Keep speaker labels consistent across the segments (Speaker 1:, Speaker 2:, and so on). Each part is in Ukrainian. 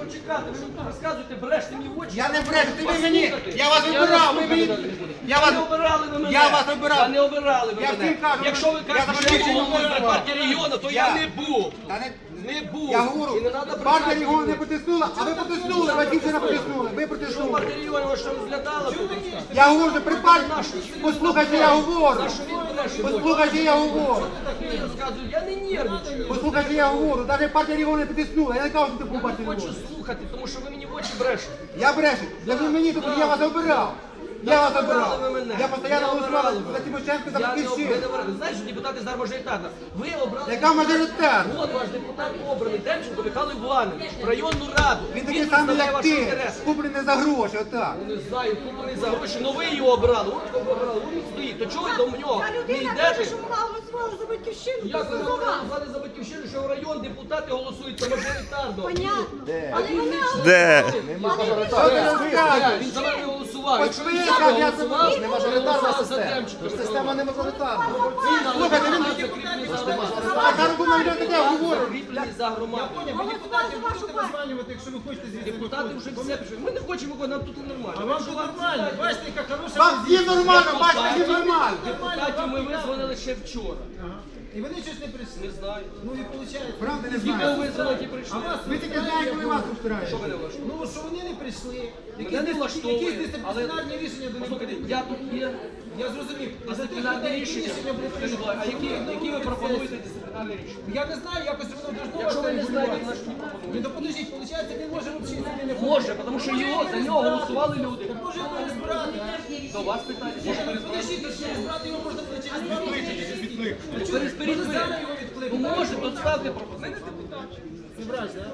Speaker 1: почекати, ви мені розказуєте, бреште мені в очі.
Speaker 2: Я не брешу, ти мені, я вас обирав, ви мені,
Speaker 1: Не обирали ви мене.
Speaker 2: я вас обирав.
Speaker 1: Та не обирали ви
Speaker 2: Я
Speaker 1: мене.
Speaker 2: всім кажу,
Speaker 1: Якщо ви кажете, що я був головою при партії регіону, то я не був. Не був.
Speaker 2: Я говорю,
Speaker 1: І не треба
Speaker 2: партія регіону не потиснула, а ви потиснули, Батьківщина потиснули, ви потиснули.
Speaker 1: партія регіону що розглядала тут.
Speaker 2: Я говорю, що при партії, послухайте, я говорю, послухайте, я говорю,
Speaker 1: Я не нервничаю.
Speaker 2: послухайте, я говорю, навіть партія регіону не потиснула, я не кажу, що ти був партія
Speaker 1: Хочу
Speaker 2: регіону.
Speaker 1: слухати, тому що ви мені в очі брешете.
Speaker 2: Я брешу, я не мені, тому я вас обирав. Я вас обирав.
Speaker 1: обирали ви мене.
Speaker 2: Я постійно
Speaker 1: Не
Speaker 2: голосував
Speaker 1: обирали
Speaker 2: за Тимошенко, за
Speaker 1: Я не
Speaker 2: Батьківщину.
Speaker 1: обирали. Знаєш, що депутати зараз мажоритарна. Ви обрали.
Speaker 2: Яка мажоритарна?
Speaker 1: От ваш депутат обраний, Демченко Михайло Іванович, в районну раду.
Speaker 2: Він такий самий,
Speaker 1: представляє
Speaker 2: як
Speaker 1: ваші
Speaker 2: ти,
Speaker 1: інтереси.
Speaker 2: куплений за гроші, отак.
Speaker 1: Не знаю, куплений за гроші, але ви його обрали. От кого обрали, він стоїть. То чого ви до нього
Speaker 3: Та
Speaker 1: не
Speaker 3: людина каже,
Speaker 1: йдете?
Speaker 3: що вона голосувала за батьківщину.
Speaker 1: Як ви
Speaker 3: то за вас.
Speaker 1: голосували за Батьківщину, що в район депутати голосують за мажоритарно?
Speaker 3: Понятно. Але вони
Speaker 4: Де?
Speaker 2: Що ти розказуєш?
Speaker 1: Він за мене голосував. Якщо він
Speaker 2: ви
Speaker 1: за
Speaker 2: кажете,
Speaker 1: мене
Speaker 2: я
Speaker 1: голосував,
Speaker 2: не
Speaker 1: мажоритарна система.
Speaker 2: Система не мажоритарна.
Speaker 1: Слухайте, він
Speaker 2: Така робимо, я таке говорю.
Speaker 1: закріплений за громаду.
Speaker 3: голосували за вашу партію.
Speaker 5: Названювати, якщо ви хочете звідси.
Speaker 1: Депутати вже все пішли. Ми не хочемо, нам тут нормально.
Speaker 5: А вам тут нормально, бачите, яка хороша
Speaker 2: Вам всім
Speaker 5: позиція.
Speaker 2: нормально, бачите, всім нормально.
Speaker 1: Депутатів ми визвонили ще вчора.
Speaker 5: Ага. І вони щось не прийшли.
Speaker 1: Не знаю.
Speaker 5: Ну і виходить.
Speaker 2: Правда не
Speaker 1: Ті, кого
Speaker 2: знаю.
Speaker 1: визвонили, ті прийшли.
Speaker 2: Ви тільки знаєте, коли вас устрають.
Speaker 1: Що ви не влаштовуєте?
Speaker 5: Ну, що вони не прийшли.
Speaker 1: Мене не влаштовує,
Speaker 5: Якісь
Speaker 1: але
Speaker 5: дисциплінарні рішення до них
Speaker 1: послухайте,
Speaker 5: прийняли.
Speaker 1: я тут є
Speaker 5: Я зрозумів. А за тих
Speaker 1: дисциплінарні
Speaker 5: людей, які
Speaker 1: рішення.
Speaker 5: рішення були прийняті.
Speaker 1: А які ви пропонуєте дисциплінарні рішення?
Speaker 5: Я не знаю, якось воно должно
Speaker 1: Якщо ви не знаєте,
Speaker 5: регулюватися.
Speaker 1: значить не пропонуєте.
Speaker 5: Ну, то подождіть, виходить, він може взагалі сюди не
Speaker 1: Може, тому що його, за нього голосували люди.
Speaker 5: Так може його перезбирати.
Speaker 1: До вас питання. Може
Speaker 5: Подождіть, то перезбирати його можна буде через 2 роки.
Speaker 1: перезберіть ви.
Speaker 5: Зараз його
Speaker 1: Ну
Speaker 5: відкликати.
Speaker 1: може, то ставте пропозицію.
Speaker 5: Не брать, так?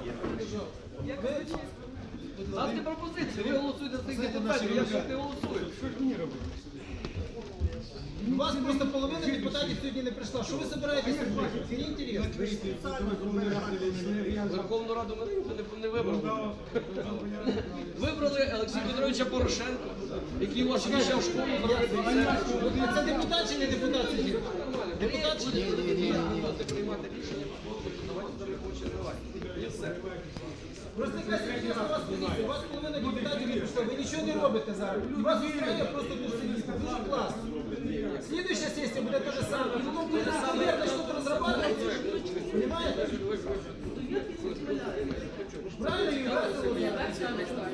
Speaker 1: Ставте пропозицію. Ви голосуєте за цих депутатів, я ж не голосую.
Speaker 5: У вас просто половина депутатів сьогодні не прийшла. Що ви збираєтесь робити? Це не інтересно.
Speaker 1: Верховну Раду ми ніхто не вибрали. Вибрали Олексія Петровича Порошенка, який вас ще в школу зробив.
Speaker 5: Це депутат чи не депутат сьогодні? Депутат чи ні?
Speaker 1: Будете приймати рішення, давайте зараз хоче давати. І все.
Speaker 5: Просто якась серйозна у вас позиція. У вас половина депутатів не прийшла. Ви нічого не робите зараз. І вас устраює просто тут сидіти. Дуже класно. Слідуюча сесія буде те ж саме. І воно буде саме, як почнуть розрабатувати. Понимаєте? Правильно, Юрій?